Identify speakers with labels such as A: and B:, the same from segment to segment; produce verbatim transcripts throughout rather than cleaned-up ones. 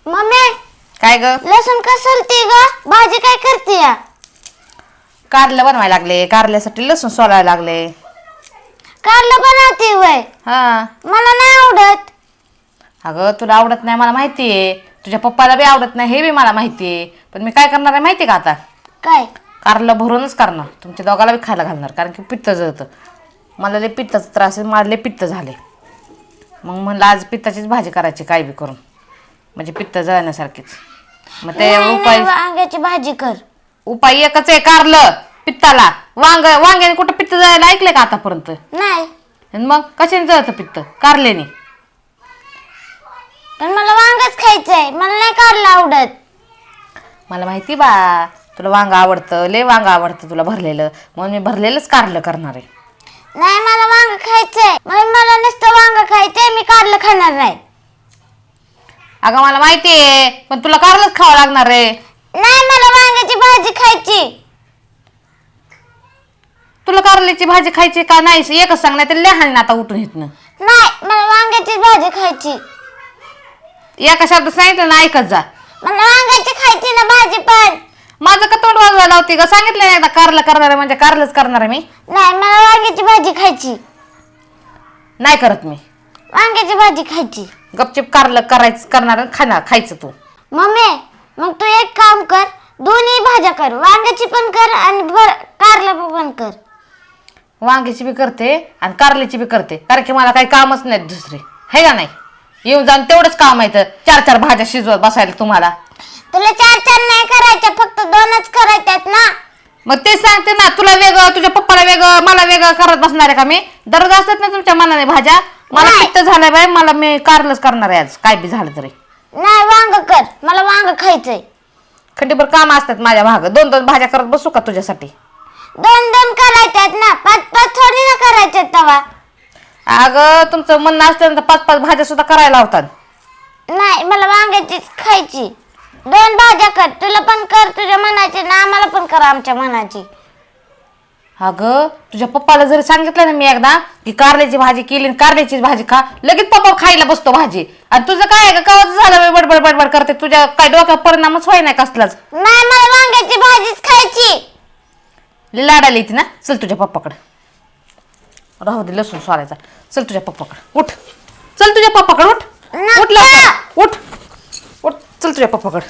A: Mummy
B: काय ग?
A: लसूण कसलती ग? भाजी काय करते या?
B: कारलं बनवायला लागले, कारल्यासाठी लसूण सोलायला लागले.
A: कारलं बनवते वय?
B: हा.
A: मला नाही आवडत.
B: अगं तुला आवडत नाही मला माहितीये, तुझ्या पप्पाला बी आवडत नाही हे बी मला माहितीये, पण मी काय करणार आहे माहितीये का आता?
A: काय?
B: कारलं भरूनच करणार, तुमच्या दोघाला बी खायला घालणार, कारण की पित्त जळतं. मला लय पित्ताचा त्रास आहे, मला लय पित्त झाले. मग म्हणलं आज पित्ताचीच भाजी करायची काय बी करून, म्हणजे पित्त जळण्यासारखीच. मग ते
A: नाही,
B: उपाय
A: नाही, वांग्याची भाजी कर.
B: उपाय एकच आहे, कारलं पित्ताला. वांग वांग्याने कुठं पित्त जायला ऐकलंय का आतापर्यंत?
A: नाही.
B: आणि मग कशाने जळतं पित्त? कारल्याने.
A: पण मला वांगच खायचंय, मला नाही कारलं आवडत.
B: मला माहिती बा, तुला वांग आवडतं, लय वांग आवडतं तुला भरलेलं, म्हणून मी भरलेलंच कारलं करणार आहे.
A: नाही, मला वांग खायचंय. मग मला नुसतं वांग खायचंय, मी कारलं खाणार नाही.
B: अगं मला माहिती आहे, पण तुला कारलंच खावं लागणार आहे.
A: नाही, मला वांग्याची भाजी खायची.
B: तुला कारल्याची भाजी खायची का नाही एकच सांग, नाही तर लहान आता उठून येतनं.
A: नाही, मला वांग्याची भाजी खायची.
B: एका शब्द सांगितलं ना ऐकत जा.
A: मला वांग्याची खायची ना भाजी पण.
B: माझं का तोंड वाजवायला होती ग? सांगितलं नाही एकदा कारलं करणार आहे म्हणजे कारलंच करणार आहे मी.
A: नाही, मला वांग्याची भाजी खायची.
B: नाही करत मी.
A: वांग्याची भाजी खायची.
B: गपचिप कारलं करायचं करणार आणि खाणार खायचं तू.
A: मम्मी मग तू एक काम कर, दोन्ही भाज्या कर, वांग्याची पण कर आणि कारलं पण कर.
B: वांग्याची बी करते आणि कारल्याची बी करते, कारण की मला काही कामच नाहीत दुसरे, हे का नाही? येऊन जाऊन तेवढंच काम आहे, तर चार चार भाज्या शिजवत बसायला तुम्हाला.
A: तुला चार चार नाही करायच्या, फक्त दोनच करायच्यात ना.
B: मग ते सांगते ना, तुला वेगळं, तुझ्या पप्पाला वेगळं, मला वेगळं करत बसणार आहे का मी? दररोज असतात ना तुमच्या मनाने भाज्या. मला पित्त झालंय बाई, मला मी कारलंच करणार आहे आज, काय बी झालं तरी.
A: नाही, वांग कर, मला वांग खायचंय.
B: खंडीभर काम असतात माझ्या भाग, दोन दोन भाज्या करत बसू का तुझ्यासाठी?
A: दोन दोन करायच्यात ना, पाच पाच थोडी ना करायच्यात तवा.
B: अगं तुमचं म्हणणं असतं तर पाच पाच भाज्या सुद्धा करायला होतात.
A: नाही, मला वांग्याचीच खायची. दोन भाज्या कर, तुला पण कर तुझ्या मनाची ना, आम्हाला पण कर आमच्या मनाची.
B: अगं तुझ्या पप्पाला जरी सांगितलं ना मी एकदा की कारल्याची भाजी केली, कारल्याची भाजी खा, लगेच पप्पा खायला बसतो भाजी. आणि तुझं काय आहे का, कवाच झालं बडबड बडबड करते, तुझ्या काय डोक्यावर परिणामच व्हाय नाही कसलाच.
A: नाही, मला वांग्याची भाजीच खायची.
B: लाडाला येते ना, चल तुझ्या पप्पाकडे. राहू दे लसूण सोलायचा, चल तुझ्या पप्पाकडे, उठ चल तुझ्या पप्पाकडे, उठ उठ लवकर, उठ उठ चल तुझ्या पप्पाकडे.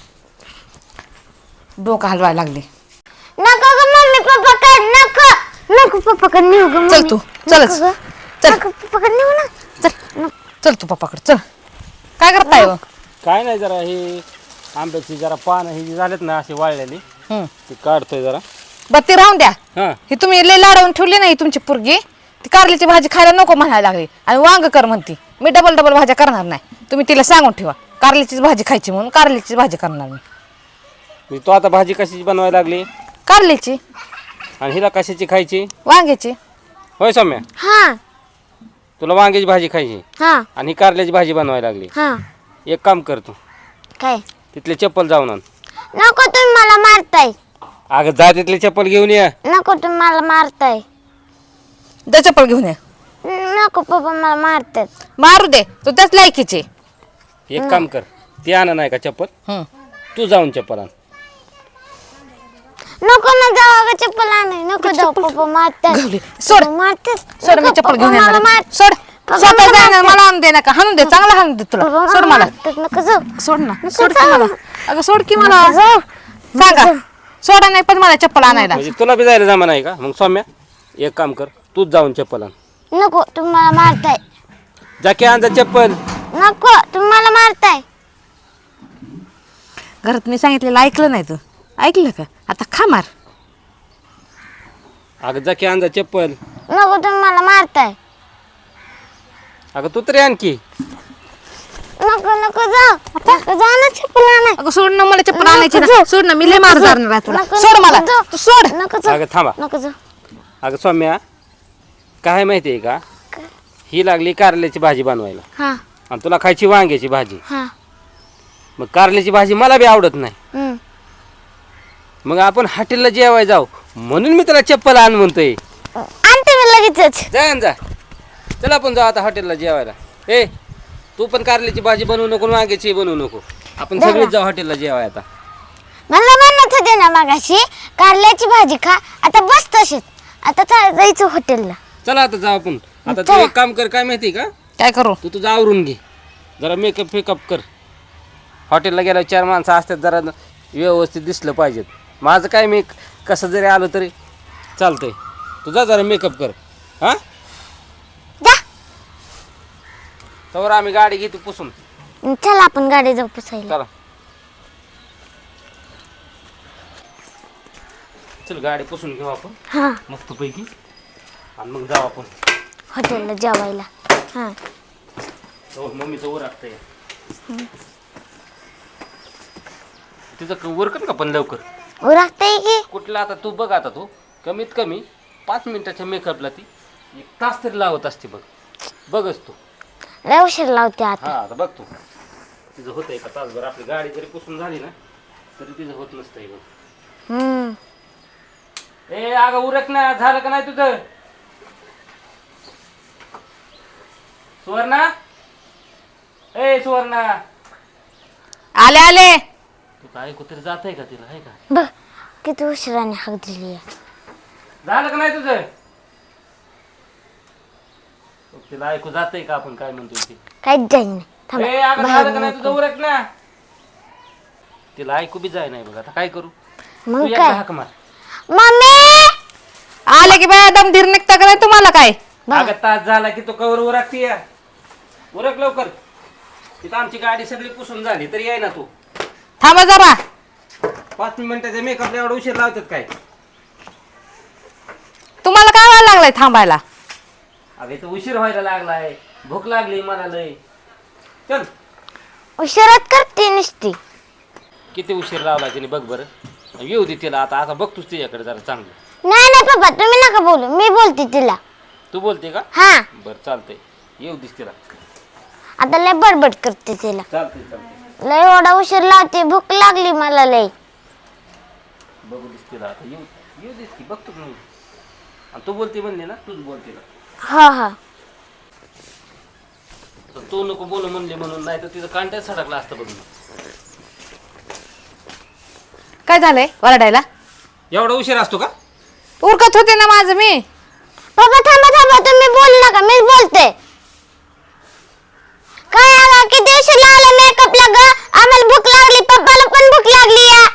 B: डोकं हलवायला लागले.
A: नको ग मम्मी, पप्पा कर, नको नको पप्पा कर, नेऊ ग
B: चल तू, चलच चल,
A: नको पप्पा कर, नेऊ ना.
B: चल चल तू पप्पाकडे चल. काय करताय हो?
C: काय नाही, जरा हे आंब्याची जरा पानं ही जी झालेत ना अशी वाळलेली, ती काढतोय जरा.
B: बरं ते राहून द्या.
C: हा,
B: ही तुम्ही लय लाडवून ठेवली नाही तुमची पोरगी, ती कारल्याची भाजी खायला नको म्हणायला लागली आणि वांग कर म्हणती. मी डबल डबल भाज्या करणार नाही, तुम्ही तिला सांगून ठेवा कारल्याचीच भाजी खायची म्हणून कारल्याचीच भाजी करणार मी.
C: मी तो आता भाजी कशाची बनवायला लागली
B: कारल्याची
C: आणि हिला कशाची खायची?
B: वांग्याची.
C: होय सौम्या,
A: हा
C: तुला वांग्याची भाजी खायची
A: हा
C: आणि ही कारल्याची भाजी बनवायला लागली.
A: हा
C: एक काम कर, तू
A: काय?
C: तिथले चप्पल जाऊन आण.
A: नको, तुम्ही मला मारताय.
C: अगं जा तिथले चप्पल घेऊन ये.
A: नको, तुम्ही मला मारताय.
B: दे चप्पल घेऊन ये.
A: नको पप्पा, मला मारतात.
B: मारू दे, तू त्याच लायकीचे.
C: एक काम कर, ती आण नाही का चप्पल,
B: हम्म.
C: तू जाऊन चप्पल आण.
A: नको ना जाऊ ग, चप्पल आणाय नको जाऊ, पप्पा मारतात.
B: घावली. सोड
A: मारतात.
B: सोड, मी चप्पल घेऊन येणार
A: मला
B: आहे. सोड
A: पप्पा
B: स्वतः
A: मला
B: जाणार,
A: मारतात.
B: मला आणून दे नका, हाणून दे, चांगला हाणून दे तुला. सोड मला,
A: मारतात, नको जाऊ.
B: सोड ना,
A: नको
B: सोड की
A: जाऊ.
B: मला. अगं सोड की मला.
A: नको जाऊ.
B: सांगा सोडा नाही पण मला चप्पल आणायला.
C: म्हणजे तुला बी जायला जमा नाही का? मग सौम्या एक काम कर, तूच जाऊन चप्पल आण.
A: नको, तुम्ही मला मारताय.
C: जा की आण जा चप्पल.
A: नको, तुम्ही मला मारताय.
B: घरात मी सांगितलेलं ऐकलं नाही तू, ऐकलं का? आता खा मार.
C: अगं जा की आण जा चप्पल.
A: नको, तुम्ही मला मारताय.
C: अगं तू तरी आणखी.
A: नको नको जाऊ, नको जाऊ ना, चप्पल आणाय.
B: अगं सोड ना, मला चप्पल
A: नको
B: आणायची ना,
A: जाऊ.
B: सोड ना, मी लय मार जाणार आहे तुला.
A: नको,
B: सोड
A: नको
B: मला,
A: जाऊ.
B: तू सोड.
A: नको जाऊ.
C: अगं थांबा.
A: नको जाऊ.
C: अगं सौम्या, काय माहिती आहे का, ही लागली कारल्याची भाजी बनवायला
A: हा
C: आणि तुला खायची वांग्याची भाजी.
A: हा
C: मग कारल्याची भाजी मला बी आवडत नाही,
A: हम्म.
C: मग आपण हॉटेलला जेवायला जाऊ म्हणून मी तुला चप्पल आण म्हणतोय.
A: आणते मी लगेचच.
C: जा आण जा, चला आपण जाऊ आता हॉटेलला जेवायला. ए तू पण कारल्याची भाजी बनवू नको, वांग्याची बनवू नको. आपण सगळेच जाऊ हॉटेलला जेवाय आता.
A: मला म्हणत होते ना मगाशी कारल्याची भाजी खा, आता बस तशीच. आता चा- जायचं हॉटेलला.
C: चला आता जाऊ आपण. आता तू
A: चला.
C: एक काम कर, काय माहिती का,
B: काय करू?
C: तू तुझं आवरून घे, जरा मेकअप फेकअप कर. हॉटेलला गेल्यावर चार माणसं असतात, जरा व्यवस्थित दिसलं पाहिजेत. माझं काय, मी कसं जरी आलो तरी चालतंय. तुझा जरा मेकअप कर. हां
A: जा.
C: तर आम्ही गाडी घेतो पुसून.
A: चला आपण गाडी जाऊ पुसायला.
C: चला चल, गाडी पुसून घेऊ आपण
A: हा
C: मस्तपैकी आणि मग जाऊ आपण
A: हॉटेलला जेवायला. हा
C: हो, मम्मीचं वर असतंय तिचं वर कर का पण लवकर.
A: उरकताय की
C: कुठला आता तू बघ, आता तू कमीत कमी पाच मिनिटाच्या मेकअपला ती एक तास तरी लावत असते. बघ बघच तू.
A: लय उशीर लावते आता.
C: हा आता बघ तू, तिचं होतंय का तासभर. आपली गाडी जरी पुसून झाली ना तरी तिचं होत नसतंय. बघ
A: हम्म
C: ए अगं उरक ना, झालं का नाही तुझं? सुवर्णा, ए सुवर्णा,
B: आले आले.
C: तू काय कुठे जात आहे का तिला, आहे का?
A: बघ किती उशिराने हाक दिली आहे.
C: झालं का नाही तुझं? तिला ऐकू जातंय का आपण काय म्हणतोय ते?
A: काहीच जाईल नाही. थांबा,
C: ए अगं
A: बाहेर
C: झालं का नाही तुझं?
A: नको.
C: उरक ना. तिला ऐकू बी जाय नाही बघ. आता काय करू? तू
A: मग
C: एकदा
A: काय
C: हाक मार.
A: मम्मी
B: आले की बाय दम धीर निघता का नाही तुम्हाला काय?
A: बघ.
C: अगं तास झाला की तो कवर उरकती या. उरक लवकर. तिथं आमची गाडी सगळी पुसून झाली तरी याय ना तू.
B: थांबा जरा.
C: पाच मिनिटाच्या मेकअपला एवढा उशीर लावतात काय?
B: तुम्हाला काय व्हायला लागलंय थांबायला?
C: अगं इथं उशीर व्हायला लागलाय, भूक लागली मला लय. चल.
A: उशिरात करते नुसती.
C: किती उशीर लावला तिने बघ बरं. येऊ दे तिला आता. आता बघतोस तिच्याकडे जरा चांगलं.
A: नाही नाही पप्पा तुम्ही नका बोलू, मी बोलते तिला.
C: तू बोलते का?
A: हा
C: बरं चालतंय, येऊ दिस तिला.
A: आता लय बडबड करते तिला.
C: चालतंय चालतंय,
A: लय एवढा उशीर लावते, भूक लागली मला लय.
C: बघू दिस तिला आता. येऊ येऊ दिस की, बघतो मी. आणि तू बोलते म्हणले ना, तूच बोलते ना.
A: हा हा
C: तर तू नको बोलू म्हणले म्हणून, नाही तर तिचं कांट्यात सडकला असतं बघ.
B: काय झालंय वरडायला?
C: एवढा उशीर असतो का?
B: उरकत होते ना माझं मी.
A: पप्पा थांबा थांबा, तुम्ही बोलू नका, मीच बोलते. काय अगं किती उशीर लावला मेकअपला ग? आम्हाला भूक लागली, पप्पाला पण भूक लागली या.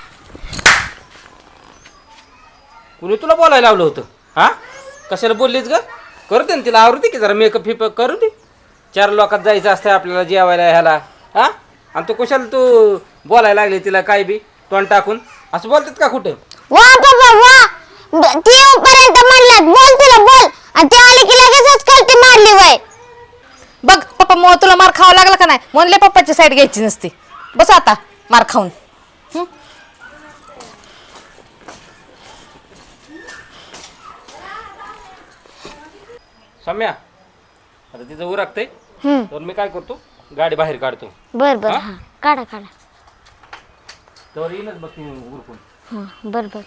C: कुणी तुला बोलायला लावलं होतं? हा कशाला बोललीच ग? करू दे ना तिला, आवडते की जरा मेकअप फिपअप करू दे. चार लोकात जायचं असतं आपल्याला जेवायला ह्याला. हा आणि तू कशाला तू बोलायला लागली तिला काय बी तोंड टाकून? असं बोलतात का कुठं?
A: वा पप्पा वा, ब- ती येऊपर्यंत म्हणल्यात बोल तिला बोल, आणि ती आली की लगेचच कळते मारली वय.
B: बघ पप्पा मग तुला मार खावा लागला का नाही? म्हणले पप्पाची साईड घ्यायची नसती. बस आता मार खाऊन. हं?
C: सम्या, आता तिचं उरकतंय
A: हम्म
C: तर मी काय करतो, गाडी बाहेर काढतो.
A: बर बर
C: हा?
A: हा काढा काढा.
C: तर येईनच बघ ती उरकून.
A: हा बर बर.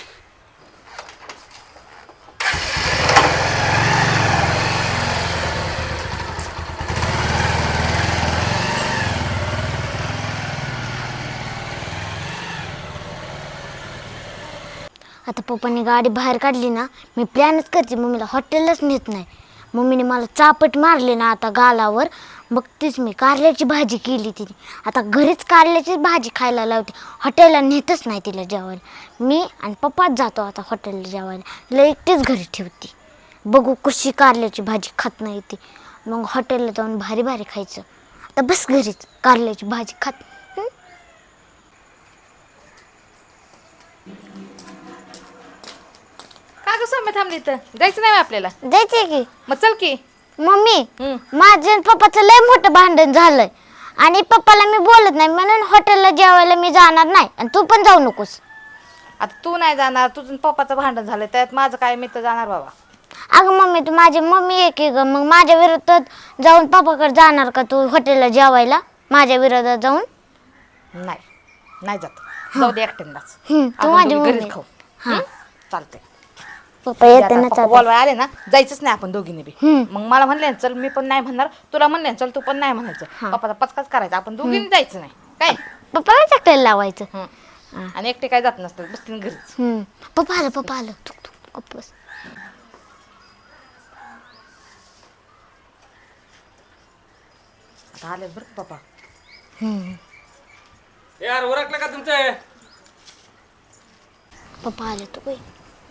A: आता पप्पाने गाडी बाहेर काढली ना, मी प्लॅनच करते मम्मीला हॉटेललाच नेत नाही. मम्मीने मला चापट मारले ना आता गालावर. बघतेच मी कारल्याची भाजी केली तिने. आता घरीच कारल्याची भाजी खायला लावते, हॉटेलला नेतच नाही तिला जेवायला. मी आणि पप्पाच जातो आता हॉटेलला जेवायला. तिला एकटीच घरी ठेवते. बघू कशी कारल्याची भाजी खात नाही ती, मग हॉटेलला जाऊन भारी भारी खायचं. आता बस घरीच कारल्याची भाजी खात. हं?
B: का ग सौम्य थांबली तर जायचं नाही आपल्याला?
A: जायचंय की.
B: मग चल की.
A: मम्मी
B: हं.
A: माझं आणि पप्पाचं लय मोठं भांडण झालंय, आणि पप्पाला मी बोलत नाही म्हणून हॉटेलला जेवायला मी जाणार नाही, आणि तू पण जाऊ नकोस.
B: आता तू नाही जाणार, तुझं पप्पाचं भांडण झालंय त्यात माझं काय, मी तर जाणार बाबा.
A: अगं मम्मी तू माझी मम्मी आहे की ग, मग माझ्या विरोधात जाऊन पप्पाकडे जाणार का तू हॉटेलला जेवायला माझ्या विरोधात जाऊन?
B: नाही नाही जात, जाऊ दे एकट्यालाच.
A: हं, तू
B: आपण
A: माझी
B: दोघी
A: मम्मी
B: घरीच खाऊ.
A: हा
B: चालतंय.
A: पप्पा येते ना
B: पप्पा बोलवाय आले ना, जायचंच नाही आपण दोघींनी बी.
A: हं.
B: मग मला म्हणले ना चल, मी पण नाही म्हणणार, तुला म्हणले ना चल, तू पण नाही म्हणायचं.
A: हा.
B: पप्पाचा पचकाच करायचा, आपण दोघींनी जायचं नाही काय.
A: पप्पाला चकटायला लावायचं.
B: हं. आणि एकटे काय जात नसतात बसतील घरीच.
A: हम्म. पप्पा आलं पप्पा आलं थुक थुक गप्प बस.
B: आता आले बरं का पप्पा.
A: हम्म.
C: यार ओरखलं का तुमचं?
A: पप्पा आले तू बाई.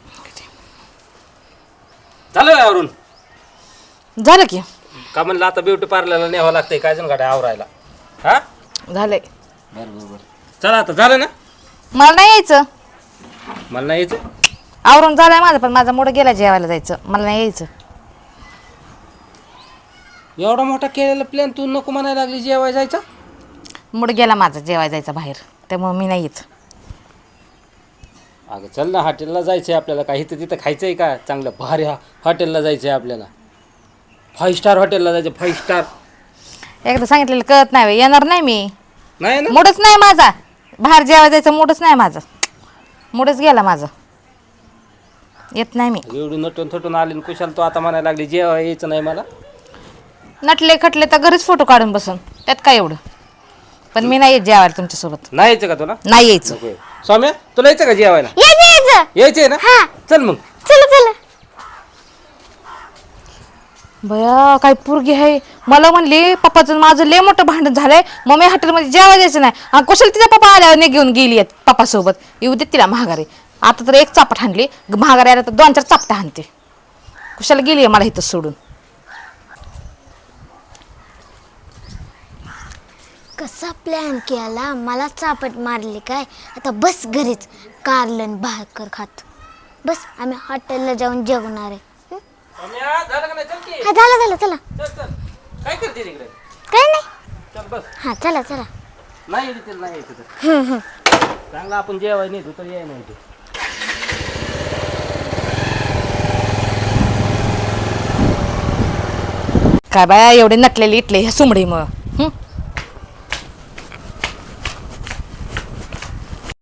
C: झालं आवरून
B: झालं की.
C: का म्हणलं आता ब्युटी पार्लरला न्यावं लागतंय काय जण गाड्या आवरायला. हा
B: झालंय.
C: बरं बरं बरं चला आता झालं ना.
B: मला नाही यायचं.
C: मला नाही यायचं.
B: आवरून झालंय माझं पण माझा मूड गेला जेवायला जायचं. मला नाही यायचं.
C: एवढा मोठा केलेला प्लॅन तू नको म्हणायला लागली जेवाय जायचा.
B: मूड गेला माझा जेवायला जायचा बाहेर त्यामुळे मी नाही येत.
C: अगं चल ना हॉटेलला जायचं आहे आपल्याला. काही तर तिथं खायचं आहे का चांगलं भारी हा हॉटेलला जायचं आहे आपल्याला. फाईव्ह स्टार हॉटेलला जायचं. Five star.
B: एकदा सांगितलेलं कळत नाही. येणार नाही मी.
C: नाही ना.
B: मूडच नाही माझा. बाहेर जेवायला जायचं मूडच नाही माझा. मूडच गेला माझा. येत नाही मी.
C: एवढी नटून थटून आली कुशाल तू आता म्हणायला लागली जेवाय यायचं नाही मला.
B: नटले खटले तर घरीच फोटो काढून बसन त्यात काय एवढं. पण मी नाही येत जेवायला तुमच्यासोबत.
C: नाही यायचं का तुला?
B: नाही यायचं.
C: नको. सौम्या तुला यायचं का जेवायला?
A: यायचं यायचं.
C: यायचंय ना.
A: हा.
C: चल मग.
A: चला चला.
B: बया काय पोरगी आहे. मला म्हणली पप्पाचं माझं लय मोठं भांडण झालंय मग मी हॉटेलमध्ये जेवायला जायचं नाही. आणि कुशल तिचा पप्पा आल्यावर नाही घेऊन गेली आहेत पप्पासोबत. येऊ देत तिला महागारी. आता तर एक चापट हाणली महागारी आल्या तर दोन चार चापटा हाणते. कुशाला गेली आहे मला इथं सोडून.
A: कसा प्लॅन केला मला चापट मारली काय. आता बस घरीच कारलन भाकर खात बस. आम्ही हॉटेलला जाऊन जेवणार आहे. हं?
C: सौम्या झालं का नाही? चल की.
A: हा झालं झालं चला.
C: चल चल. काय करते तिकडे?
A: काय नाही.
C: चल बस.
A: हा चला चला.
C: नाही यायचं नाही यायचं तर
A: हं, हं.
C: चांगला आपण जेवाय नाही तू तर याय नाही तू.
B: काय बाया एवढे नटलेले इटले ह्या सुमडीमुळं. हं